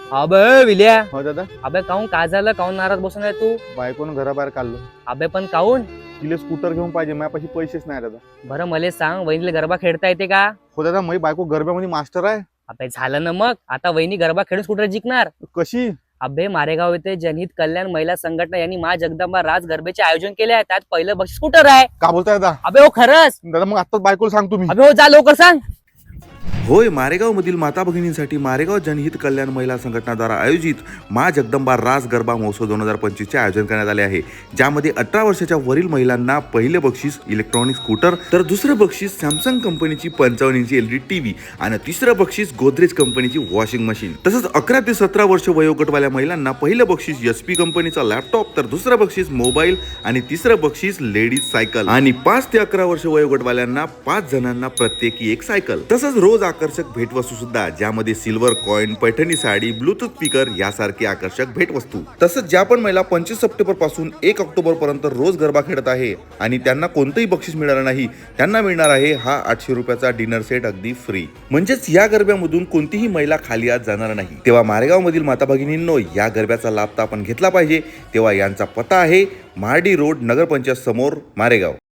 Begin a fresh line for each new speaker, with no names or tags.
अबे विल्या,
हो दादा.
अबे काऊन काय झालं? काऊन नाराज बसून आहे तू?
बायकोनं घराबाहेर काढलं.
अबे पण काऊन?
तिला स्कूटर घेऊन पाहिजे, माझ्यापाशी पैसेच नाही दादा.
बरं मले सांग, वहिनीला गरबा खेळता येते का?
हो दादा, माझी बायको गरब्यामध्ये मास्टर आहे.
अबे झालं ना मग, आता वहिनी गरबा खेळून स्कूटर जिंकणार.
कशी?
अबे मारेगाव येथे जनहित कल्याण महिला संघटना यांनी मा जगदंबा राज गरबेचे आयोजन केले आहे. त्यात पहिलं बक्षीस स्कूटर आहे.
का बोलताय दादा?
अबे हो खरंच?
दादा मग आताच बायकोला सांगतो मी.
अबे हो जा लवकर सांग.
होय, मारेगावमधील माता भगिनींसाठी मारेगाव जनहित कल्याण महिला संघटनाद्वारा आयोजित मा जगदंबा रास गरबा महोत्सव 2025 चे आयोजन करण्यात आले आहे, ज्यामध्ये 18 वर्षाच्या वरील महिलांना पहिले बक्षीस इलेक्ट्रॉनिक स्कूटर, तर दुसरं बक्षीस सॅमसंग कंपनीची 55 इंची LED टीव्ही आणि तिसरं बक्षीस गोदरेज कंपनीची वॉशिंग मशीन, तसंच 11 ते 17 वर्ष वयोगटवाल्या महिलांना पहिलं बक्षीस HP कंपनीचा लॅपटॉप, तर दुसरं बक्षीस मोबाईल आणि तिसरं बक्षीस लेडीज सायकल आणि 5 ते 11 वर्ष वयोगटवाल्यांना 5 जणांना प्रत्येकी एक सायकल, तसंच रोज आकर्षक भेटवस्तू सुद्धा, ज्यामध्ये silver coin, Paithani sari, Bluetooth speaker यासारखी आकर्षक भेटवस्तू. तसंच ज्या पण महिला 25 सप्टेंबर पासून 1 ऑक्टोबर पर्यंत रोज गरबा खेळत आहे आणि त्यांना कोणतंही बक्षीस मिळालं नाही, त्यांना मिळणार आहे हा 800 रुपयाचा डिनर सेट अगदी फ्री. म्हणजेच या गरब्यामधून कोणतीही महिला खाली आज जाणार नाही. तेव्हा मारेगाव मधील माता भगिनींनो, या गरब्याचा लाभ तर आपण घेतला पाहिजे. तेव्हा यांचा पत्ता आहे महाडी रोड, नगरपंचायत समोर, मारेगाव.